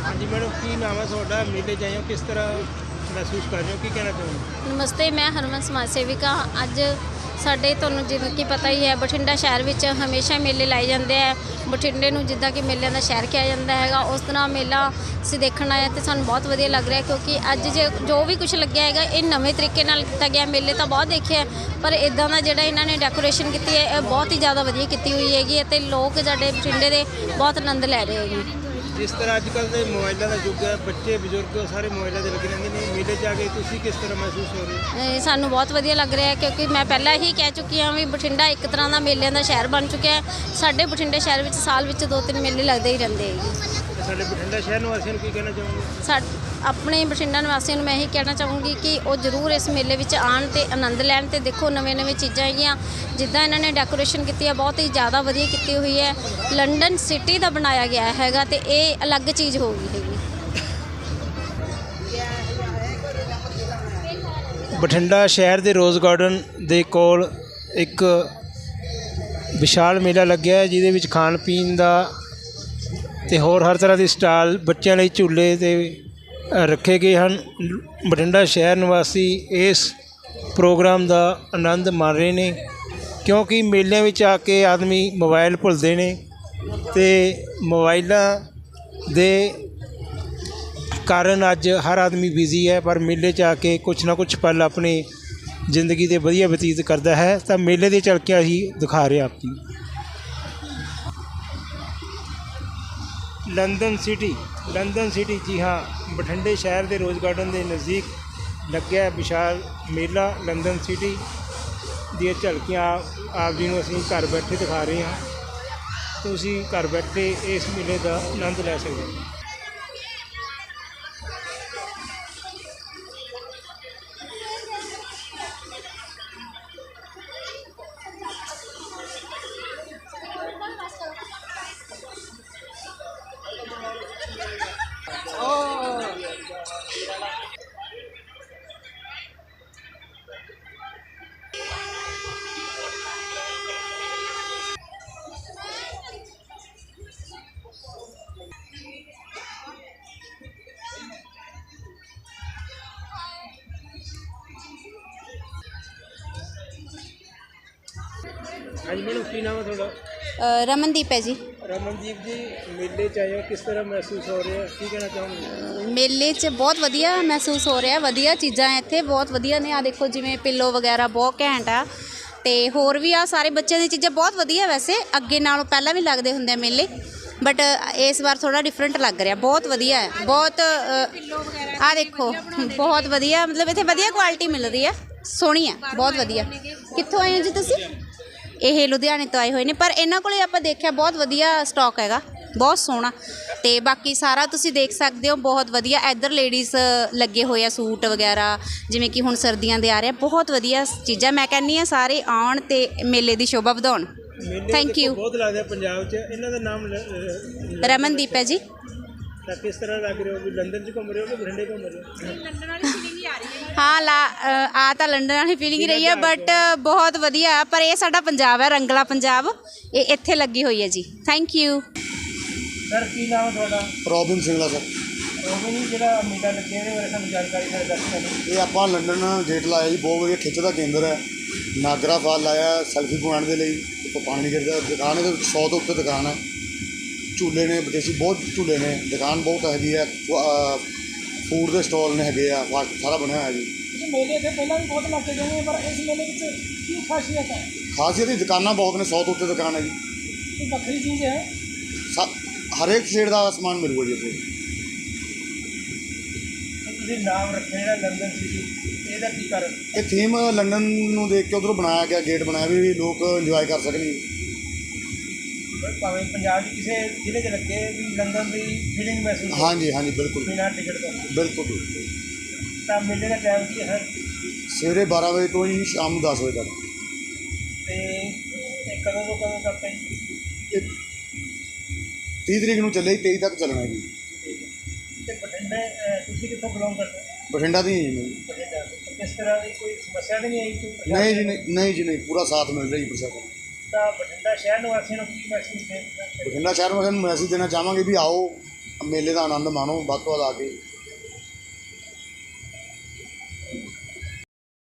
हाँ जी मैडम, की नाम है ਤੁਹਾਡਾ? मेले जाए हो, किस तरह महसूस कर रहे हो, की कहना चाहोगे? ਨਮਸਤੇ, ਮੈਂ ਹਰਮਨ ਸਮਾਜ ਸੇਵਿਕਾ। ਅੱਜ ਸਾਡੇ ਤੁਹਾਨੂੰ ਜਿਵੇਂ ਕਿ ਪਤਾ ਹੀ ਹੈ, ਬਠਿੰਡਾ ਸ਼ਹਿਰ ਵਿੱਚ ਹਮੇਸ਼ਾ ਮੇਲੇ ਲਾਏ ਜਾਂਦੇ ਆ। ਬਠਿੰਡੇ ਨੂੰ ਜਿੱਦਾਂ ਕਿ ਮੇਲਿਆਂ ਦਾ ਸ਼ਹਿਰ ਕਿਹਾ ਜਾਂਦਾ ਹੈਗਾ, ਉਸ ਤਰ੍ਹਾਂ ਮੇਲਾ ਅਸੀਂ ਦੇਖਣ ਆਏ ਅਤੇ ਸਾਨੂੰ ਬਹੁਤ ਵਧੀਆ ਲੱਗ ਰਿਹਾ, ਕਿਉਂਕਿ ਅੱਜ ਜੋ ਵੀ ਕੁਝ ਲੱਗਿਆ ਹੈਗਾ ਇਹ ਨਵੇਂ ਤਰੀਕੇ ਨਾਲ ਕੀਤਾ ਗਿਆ। ਮੇਲੇ ਤਾਂ ਬਹੁਤ ਦੇਖੇ ਆ, ਪਰ ਇੱਦਾਂ ਦਾ ਜਿਹੜਾ ਇਹਨਾਂ ਨੇ ਡੈਕੋਰੇਸ਼ਨ ਕੀਤੀ ਹੈ ਇਹ ਬਹੁਤ ਹੀ ਜ਼ਿਆਦਾ ਵਧੀਆ ਕੀਤੀ ਹੋਈ ਹੈਗੀ ਅਤੇ ਲੋਕ ਸਾਡੇ ਬਠਿੰਡੇ ਦੇ ਬਹੁਤ ਆਨੰਦ ਲੈ ਰਹੇ ਹੈਗੇ। जिस तरह अजकल के मोबाइलों का युग है, बच्चे बजुर्ग सारे मोबाइलों से लगे रहते हैं, मेले जाके तुसी किस तरह महसूस हो रहे हो? ਸਾਨੂੰ ਬਹੁਤ ਵਧੀਆ ਲੱਗ ਰਿਹਾ ਹੈ, ਕਿਉਂਕਿ ਮੈਂ ਪਹਿਲਾਂ ਹੀ ਕਹਿ ਚੁੱਕੀ ਹਾਂ ਵੀ ਬਠਿੰਡਾ ਇੱਕ ਤਰ੍ਹਾਂ ਦਾ ਮੇਲਿਆਂ ਦਾ ਸ਼ਹਿਰ ਬਣ ਚੁੱਕਿਆ ਹੈ। ਸਾਡੇ ਬਠਿੰਡੇ ਸ਼ਹਿਰ ਵਿੱਚ ਸਾਲ ਵਿੱਚ 2-3 ਮੇਲੇ ਲੱਗਦੇ ਹੀ ਰਹਿੰਦੇ ਹੈਗੇ। ਸਾਡੇ ਬਠਿੰਡਾ ਸ਼ਹਿਰ ਨਿਵਾਸੀਆਂ ਨੂੰ ਕੀ ਕਹਿਣਾ ਚਾਹੋਗੇ? ਆਪਣੇ ਬਠਿੰਡਾ ਨਿਵਾਸੀਆਂ ਨੂੰ ਮੈਂ ਇਹੀ ਕਹਿਣਾ ਚਾਹੂੰਗੀ ਕਿ ਉਹ ਜ਼ਰੂਰ ਇਸ ਮੇਲੇ ਵਿੱਚ ਆਉਣ ਅਤੇ ਆਨੰਦ ਲੈਣ ਅਤੇ ਦੇਖੋ ਨਵੇਂ ਚੀਜ਼ਾਂ ਹੈਗੀਆਂ। ਜਿੱਦਾਂ ਇਹਨਾਂ ਨੇ ਡੈਕੋਰੇਸ਼ਨ ਕੀਤੀ ਹੈ ਬਹੁਤ ਹੀ ਜ਼ਿਆਦਾ ਵਧੀਆ ਕੀਤੀ ਹੋਈ ਹੈ। ਲੰਡਨ ਸਿਟੀ ਦਾ ਬਣਾਇਆ ਗਿਆ ਹੈਗਾ ਅਤੇ ਇਹ ਅਲੱਗ ਚੀਜ਼ ਹੋ ਗਈ ਹੈਗੀ। ਬਠਿੰਡਾ ਸ਼ਹਿਰ ਦੇ ਰੋਜ਼ ਗਾਰਡਨ ਦੇ ਕੋਲ ਇੱਕ ਵਿਸ਼ਾਲ ਮੇਲਾ ਲੱਗਿਆ ਹੈ, ਜਿਹਦੇ ਵਿੱਚ ਖਾਣ ਪੀਣ ਦਾ ਅਤੇ ਹੋਰ ਹਰ ਤਰ੍ਹਾਂ ਦੇ ਸਟਾਲ, ਬੱਚਿਆਂ ਲਈ ਝੂਲੇ ਤੇ ਰੱਖੇ ਗਏ ਹਨ। ਬਠਿੰਡਾ ਸ਼ਹਿਰ ਨਿਵਾਸੀ ਇਸ ਪ੍ਰੋਗਰਾਮ ਦਾ ਆਨੰਦ ਮਾਣ ਰਹੇ ਨੇ, ਕਿਉਂਕਿ ਮੇਲਿਆਂ ਵਿੱਚ ਆ ਕੇ ਆਦਮੀ ਮੋਬਾਈਲ ਭੁੱਲਦੇ ਨੇ ਅਤੇ ਮੋਬਾਈਲਾਂ ਦੇ ਕਾਰਨ ਅੱਜ ਹਰ ਆਦਮੀ ਬਿਜ਼ੀ ਹੈ, ਪਰ ਮੇਲੇ 'ਚ ਆ ਕੇ ਕੁਛ ਨਾ ਕੁਛ ਪਲ ਆਪਣੀ ਜ਼ਿੰਦਗੀ ਦੇ ਵਧੀਆ ਬਤੀਤ ਕਰਦਾ ਹੈ। ਤਾਂ ਮੇਲੇ ਦੀਆਂ ਝਲਕੀਆਂ ਹੀ ਦਿਖਾ ਰਹੇ ਆਪ ਜੀ। ਲੰਡਨ ਸਿਟੀ ਜੀ ਹਾਂ, ਬਠਿੰਡੇ ਸ਼ਹਿਰ ਦੇ ਰੋਜ਼ ਗਾਰਡਨ ਦੇ ਨਜ਼ਦੀਕ ਲੱਗਿਆ ਵਿਸ਼ਾਲ ਮੇਲਾ ਲੰਡਨ ਸਿਟੀ ਦੀਆਂ ਝਲਕੀਆਂ ਆਪ ਜੀ ਨੂੰ ਅਸੀਂ ਘਰ ਬੈਠੇ ਦਿਖਾ ਰਹੇ ਹਾਂ। ਤੁਸੀਂ ਘਰ ਬੈਠੇ ਇਸ ਮੇਲੇ ਦਾ ਆਨੰਦ ਲੈ ਸਕਦੇ ਹੋ। ਹਾਂਜੀ ਮੈਡਮ, ਕੀ ਨਾਮ ਹੈ ਤੁਹਾਡਾ? ਰਮਨਦੀਪ ਹੈ ਜੀ। ਰਮਨਦੀਪ ਜੀ, ਮੇਲੇ 'ਚ ਆਏ ਹੋ, ਕਿਸ ਤਰ੍ਹਾਂ ਮਹਿਸੂਸ ਹੋ ਰਿਹਾ, ਕੀ ਕਹਿਣਾ ਚਾਹੋਗੇ? ਮੇਲੇ 'ਚ ਬਹੁਤ ਵਧੀਆ ਮਹਿਸੂਸ ਹੋ ਰਿਹਾ, ਵਧੀਆ ਚੀਜ਼ਾਂ ਇੱਥੇ ਬਹੁਤ ਵਧੀਆ ਨੇ। ਆ ਦੇਖੋ ਜਿਵੇਂ ਪਿੱਲੋ ਵਗੈਰਾ ਬਹੁਤ ਘੈਂਟ ਆ, ਅਤੇ ਹੋਰ ਵੀ ਆ ਸਾਰੇ ਬੱਚਿਆਂ ਦੀ ਚੀਜ਼ਾਂ ਬਹੁਤ ਵਧੀਆ। ਵੈਸੇ ਅੱਗੇ ਨਾਲੋਂ ਪਹਿਲਾਂ ਵੀ ਲੱਗਦੇ ਹੁੰਦੇ ਆ ਮੇਲੇ, ਬਟ ਇਸ ਵਾਰ ਥੋੜ੍ਹਾ ਡਿਫਰੈਂਟ ਲੱਗ ਰਿਹਾ, ਬਹੁਤ ਵਧੀਆ ਹੈ। ਬਹੁਤ ਆ ਦੇਖੋ ਬਹੁਤ ਵਧੀਆ, ਮਤਲਬ ਇੱਥੇ ਵਧੀਆ ਕੁਆਲਿਟੀ ਮਿਲ ਰਹੀ ਹੈ, ਸੋਹਣੀ ਹੈ, ਬਹੁਤ ਵਧੀਆ। ਕਿੱਥੋਂ ਆਏ ਹੋ ਜੀ ਤੁਸੀਂ? ਇਹ ਲੁਧਿਆਣੇ ਤੋਂ ਆਏ ਹੋਏ ਨੇ, ਪਰ ਇਹਨਾਂ ਕੋਲ ਆਪਾਂ ਦੇਖਿਆ ਬਹੁਤ ਵਧੀਆ ਸਟਾਕ ਹੈਗਾ, ਬਹੁਤ ਸੋਹਣਾ। ਅਤੇ ਬਾਕੀ ਸਾਰਾ ਤੁਸੀਂ ਦੇਖ ਸਕਦੇ ਹੋ, ਬਹੁਤ ਵਧੀਆ। ਇੱਧਰ ਲੇਡੀਜ਼ ਲੱਗੇ ਹੋਏ ਆ, ਸੂਟ ਵਗੈਰਾ, ਜਿਵੇਂ ਕਿ ਹੁਣ ਸਰਦੀਆਂ ਦੇ ਆ ਰਹੇ ਆ, ਬਹੁਤ ਵਧੀਆ ਚੀਜ਼ਾਂ। ਮੈਂ ਕਹਿੰਦੀ ਹਾਂ ਸਾਰੇ ਆਉਣ ਅਤੇ ਮੇਲੇ ਦੀ ਸ਼ੋਭਾ ਵਧਾਉਣ। Thank you. ਬਹੁਤ ਲੱਗਦਾ ਪੰਜਾਬ 'ਚ, ਇਹਨਾਂ ਦਾ ਨਾਮ ਰਮਨਦੀਪ ਹੈ ਜੀ। ਤਾਂ ਕਿਸ ਤਰ੍ਹਾਂ ਲੱਗ ਰਿਹਾ ਹੋ ਵੀ ਲੰਡਨ 'ਚ ਘੁੰਮ ਰਹੇ ਹੋ ਕਿ ਬਠਿੰਡੇ ਘੁੰਮ ਰਹੇ ਹੋ? ਲੰਡਨ ਵਾਲੀ ਫੀਲਿੰਗ ਹੀ ਆ ਰਹੀ ਹੈ। ਹਾਂ, ਤਾਂ ਲੰਡਨ ਵਾਲੀ ਫੀਲਿੰਗ ਹੀ ਰਹੀ ਹੈ, ਬਟ ਬਹੁਤ ਵਧੀਆ। ਪਰ ਇਹ ਸਾਡਾ ਪੰਜਾਬ ਹੈ, ਰੰਗਲਾ ਪੰਜਾਬ, ਇਹ ਇੱਥੇ ਲੱਗੀ ਹੋਈ ਹੈ ਜੀ। ਥੈਂਕ ਯੂ ਸਰ, ਕੀ ਨਾਮ ਹੈ ਤੁਹਾਡਾ? Robin Singla sir. ਰੋਬਿਨ ਜੀ, ਜਿਹੜਾ ਮੇਲਾ ਲੱਗਿਆ ਇਹਦੇ ਬਾਰੇ ਸਾਨੂੰ ਜਾਣਕਾਰੀ ਦੱਸ ਦਿਓ। ਇਹ ਆਪਾਂ ਲੰਡਨ ਗੇਟ ਲਾਇਆ ਜੀ, ਬਹੁਤ ਵਧੀਆ ਖਿੱਚ ਦਾ ਕੇਂਦਰ ਹੈ। ਨਾਗਰਾ ਫਾਲ ਲਾਇਆ ਸੈਲਫੀ ਪੁਆਇੰਟ ਦੇ ਲਈ, ਉੱਪਰ ਪਾਣੀ ਗਿਰਦਾ। ਦੁਕਾਨ ਇਹਦੇ 100 ਤੋਂ ਉੱਤੇ ਦੁਕਾਨ ਹੈ। ਝੂਲੇ ਨੇ ਵਿਦੇਸ਼ੀ, ਬਹੁਤ ਝੂਲੇ ਨੇ। ਦੁਕਾਨ ਬਹੁਤ ਹੈਗੀ ਹੈ, ਫੂਡ ਦੇ ਸਟਾਲ ਨੇ ਹੈਗੇ ਆ, ਸਾਰਾ ਬਣਿਆ ਹੋਇਆ ਜੀ। ਮੇਲੇ ਇੱਥੇ ਪਹਿਲਾਂ ਵੀ ਬਹੁਤ ਲੱਗੇ ਗਏ ਨੇ, ਪਰ ਇਸ ਮੇਲੇ ਵਿੱਚ ਕੀ ਖਾਸੀਅਤ ਹੈ? ਖਾਸੀਅਤ ਦੀ ਦੁਕਾਨਾਂ ਬਹੁਤ ਨੇ, 100 ਤੋਂ ਉੱਤੇ ਦੁਕਾਨ ਹੈ ਜੀ। ਕੋਈ ਵੱਖਰੀ ਚੀਜ਼ ਹੈ? ਹਰੇਕ ਸ਼ੇਡ ਦਾ ਸਮਾਨ ਮਿਲੂਗਾ ਜੀ ਇੱਥੇ। ਤੁਸੀਂ ਨਾਮ ਰੱਖਿਆ ਜਿਹੜਾ ਲੰਡਨ ਸਿਟੀ, ਇਹਦਾ ਕੀ ਕਾਰਨ? ਇਹ ਥੀਮ ਲੰਡਨ ਨੂੰ ਦੇਖ ਕੇ ਉੱਧਰੋਂ ਬਣਾਇਆ ਗਿਆ, ਗੇਟ ਬਣਾਇਆ ਵੀ ਲੋਕ ਇੰਜੋਏ ਕਰ ਸਕਣ ਜੀ। ਭਾਵੇਂ ਪੰਜਾਬ 'ਚ ਕਿਸੇ ਜ਼ਿਲ੍ਹੇ 'ਚ ਲੱਗੇ ਵੀ ਲੰਡਨ ਦੀ ਫੀਲਿੰਗ ਮਹਿਸੂਸ। ਹਾਂਜੀ ਬਿਲਕੁਲ ਬਿਨਾਂ ਟਿਕਟ ਤੋਂ। ਬਿਲਕੁਲ। ਤਾਂ ਮੇਲੇ ਦਾ ਟਾਈਮ ਕੀ ਹੈ? ਸਵੇਰੇ 12 ਵਜੇ ਤੋਂ ਜੀ ਸ਼ਾਮ ਨੂੰ 10 ਵਜੇ ਤੱਕ। ਅਤੇ ਇਹ ਕਦੋਂ ਤੋਂ ਕਦੋਂ ਤੱਕ ਹੈ ਜੀ? ਇਹ 30 ਤਰੀਕ ਨੂੰ ਚੱਲੇ, 23 ਤੱਕ ਚੱਲਣਾ ਜੀ। ਅਤੇ ਬਠਿੰਡੇ ਤੁਸੀਂ ਕਿੱਥੋਂ ਬਿਲੋਂਗ ਕਰਦੇ ਹੋ? ਬਠਿੰਡਾ ਦੀ ਹੀ ਜੀ। ਬਠਿੰਡਾ। ਕਿਸ ਤਰ੍ਹਾਂ ਦੀ ਕੋਈ ਸਮੱਸਿਆ ਤਾਂ ਨਹੀਂ ਆਈ? ਨਹੀਂ ਜੀ, ਪੂਰਾ ਸਾਥ ਮਿਲ ਰਿਹਾ ਜੀ ਪ੍ਰਸ਼ਾਸਨ। ਤਾਂ ਬਠਿੰਡਾ ਸ਼ਹਿਰ ਨਿਵਾਸੀਆਂ ਨੂੰ ਕੀ ਮੈਸੇਜ ਦੇ? ਬਠਿੰਡਾ ਸ਼ਹਿਰ ਵਾਸੀਆਂ ਨੂੰ ਮੈਸੇਜ ਦੇਣਾ ਚਾਹਾਂਗੇ ਵੀ ਆਓ, ਮੇਲੇ ਦਾ ਆਨੰਦ ਮਾਣੋ ਵੱਧ ਤੋਂ ਵੱਧ ਆ ਕੇ।